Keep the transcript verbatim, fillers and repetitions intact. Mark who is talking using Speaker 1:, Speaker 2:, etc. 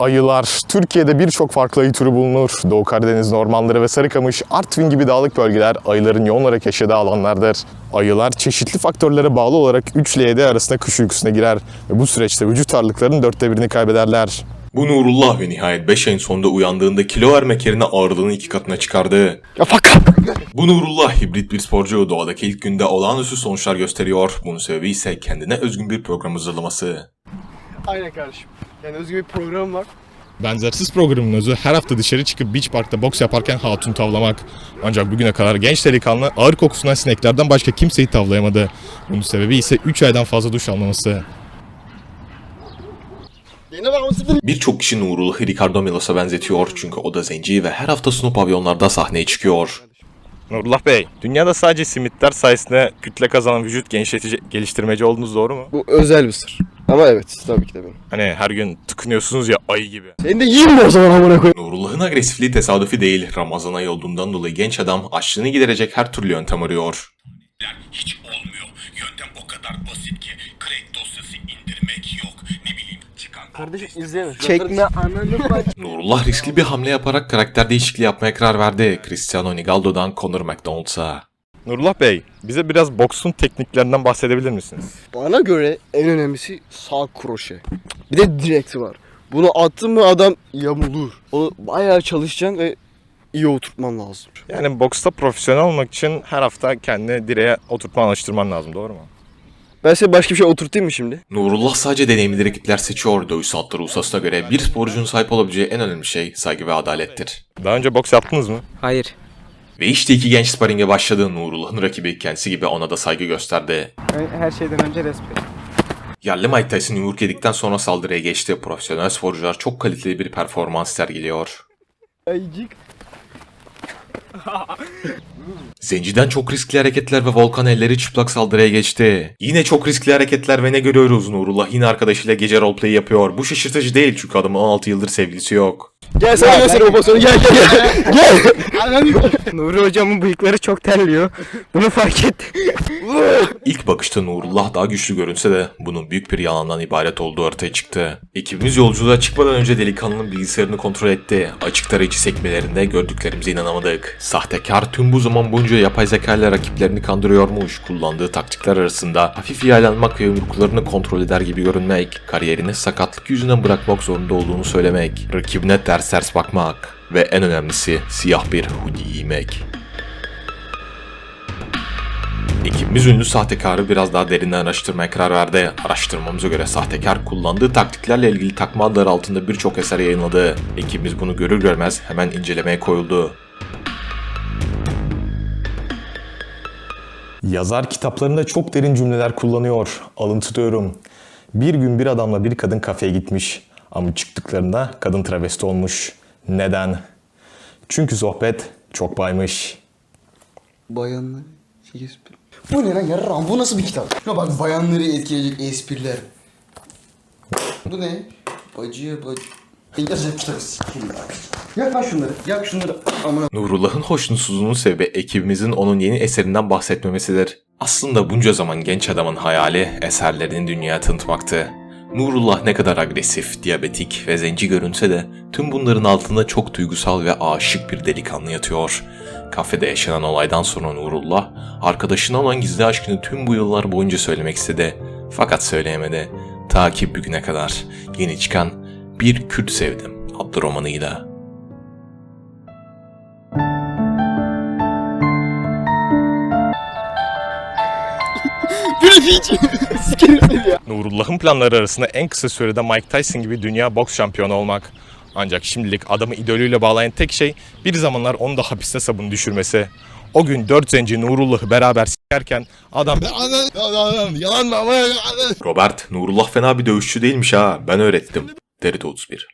Speaker 1: Ayılar. Türkiye'de birçok farklı ayı türü bulunur. Doğu Karadeniz ormanları ve Sarıkamış, Artvin gibi dağlık bölgeler ayıların yoğun olarak yaşadığı alanlardır. Ayılar çeşitli faktörlere bağlı olarak üç ile yedi arasında kış uykusuna girer ve bu süreçte vücut ağırlıklarının dörtte birini kaybederler.
Speaker 2: Bu Nurullah ve nihayet beş ayın sonunda uyandığında kilo vermek yerine ağırlığını iki katına çıkardı.
Speaker 1: Ya fakat!
Speaker 2: Bu Nurullah hibrit bir sporcu, doğadaki ilk günde olağanüstü sonuçlar gösteriyor. Bunun sebebi ise kendine özgün bir program hazırlaması.
Speaker 3: Aynen kardeşim. Yani özgür bir program var.
Speaker 1: Benzersiz programın özü her hafta dışarı çıkıp beach parkta boks yaparken hatun tavlamak. Ancak bugüne kadar genç delikanlı ağır kokusundan sineklerden başka kimseyi tavlayamadı. Bunun sebebi ise üç aydan fazla duş almaması.
Speaker 2: Birçok kişi Nurullah'ı Ricardo Milos'a benzetiyor çünkü o da zenci ve her hafta sunu pavyonlarda sahneye çıkıyor.
Speaker 1: Nurullah Bey, dünyada sadece simitler sayesinde kütle kazanan vücut genişletici, geliştirmeci olduğunuz doğru mu?
Speaker 3: Bu özel bir sır. Ama evet, tabii ki de benim.
Speaker 1: Hani her gün tıkınıyorsunuz ya ayı gibi.
Speaker 3: Seni de yiyeyim mi o zaman amına koyayım?
Speaker 2: Nurullah'ın agresifliği tesadüfi değil. Ramazan ayı olduğundan dolayı genç adam açlığını giderecek her türlü yöntem arıyor.
Speaker 4: Hiç olmuyor. Yöntem o kadar basit ki crack dosyası indirmek yok. Ne bileyim çıkan...
Speaker 3: Kardeşim izleyemez. Çekme ananı bak.
Speaker 2: Nurullah riskli bir hamle yaparak karakter değişikliği yapmaya karar verdi. Cristiano Ronaldo'dan Conor McDonald's'a.
Speaker 1: Nurullah Bey, bize biraz boksun tekniklerinden bahsedebilir misiniz?
Speaker 3: Bana göre en önemlisi sağ kroşe. Bir de direkti var. Bunu attın mı adam yamulur. Onu bayağı çalışacaksın ve iyi oturtman lazım.
Speaker 1: Yani boksta profesyonel olmak için her hafta kendini direğe oturtma alıştırman lazım, doğru mu?
Speaker 3: Ben size başka bir şey oturtayım mı şimdi?
Speaker 2: Nurullah sadece deneyimli rakipler seçiyor. Dövüş sanatları ustasına göre bir sporcunun sahip olabileceği en önemli şey saygı ve adalettir.
Speaker 1: Daha önce boks yaptınız mı?
Speaker 5: Hayır.
Speaker 2: Ve işte iki genç sparinge başladı. Nurullah'ın rakibi kendisi gibi ona da saygı gösterdi.
Speaker 5: Her şeyden önce respekt.
Speaker 2: Yerli Mike Tyson yumruk yedikten sonra saldırıya geçti. Profesyonel sporcular çok kaliteli bir performans sergiliyor.
Speaker 3: Ayıcık.
Speaker 2: Zenciden çok riskli hareketler ve Volkan elleri çıplak saldırıya geçti. Yine çok riskli hareketler ve ne görüyoruz? Nurullah yine arkadaşıyla gece roleplay yapıyor. Bu şaşırtıcı değil çünkü adamın on altı yıldır sevgilisi yok.
Speaker 3: Gel sana göstereyim o pozisyonu, gel gel gel. Gel.
Speaker 5: Nuri hocamın bıyıkları çok terliyor. Bunu fark ettim.
Speaker 2: İlk bakışta Nurullah daha güçlü görünse de bunun büyük bir yalandan ibaret olduğu ortaya çıktı. Ekibimiz yolculuğa çıkmadan önce delikanlının bilgisayarını kontrol etti. Açık tarayıcı sekmelerinde gördüklerimize inanamadık. Sahtekar tüm bu zaman boyunca yapay zeka ile rakiplerini kandırıyormuş. Kullandığı taktikler arasında hafif yaylanmak ve yumruklarını kontrol eder gibi görünmek, kariyerini sakatlık yüzünden bırakmak zorunda olduğunu söylemek, rakibine ters ters bakmak ve en önemlisi siyah bir hoodie giymek. Ekibimiz ünlü sahtekarı biraz daha derinden araştırmaya karar verdi. Araştırmamıza göre sahtekar kullandığı taktiklerle ilgili takma adları altında birçok eser yayınladı. Ekibimiz bunu görür görmez hemen incelemeye koyuldu.
Speaker 1: Yazar kitaplarında çok derin cümleler kullanıyor. Alıntılıyorum. Bir gün bir adamla bir kadın kafeye gitmiş. Ama çıktıklarında kadın travesti olmuş. Neden? Çünkü sohbet çok baymış.
Speaker 6: Bayanları şey espri. Bu ne lan yarram? Bu nasıl bir kitap? Şuna bak, bayanları etkileyecek espriler. Bu ne? Bacıya bacı. Yazacak kitabı sikeyim ya. Yak lan şunları. Yak şunları. Amına.
Speaker 2: Nurullah'ın hoşnutsuzluğunun sebebi ekibimizin onun yeni eserinden bahsetmemesidir. Aslında bunca zaman genç adamın hayali eserlerini dünyaya tanıtmaktı. Nurullah ne kadar agresif, diyabetik ve zenci görünse de tüm bunların altında çok duygusal ve aşık bir delikanlı yatıyor. Kafede yaşanan olaydan sonra Nurullah, arkadaşına olan gizli aşkını tüm bu yıllar boyunca söylemek istedi. Fakat söyleyemedi. Ta ki bugüne kadar yeni çıkan Bir Kürt Sevdim adlı romanıyla.
Speaker 1: Nurullah'ın planları arasında en kısa sürede Mike Tyson gibi dünya boks şampiyonu olmak. Ancak şimdilik adamı idolüyle bağlayan tek şey bir zamanlar onu da hapiste sabun düşürmesi. O gün dört zenci Nurullah'ı beraber s**erken adam yalan mı ama
Speaker 2: Robert, Nurullah fena bir dövüşçü değilmiş ha, ben öğrettim. Derito otuz bir.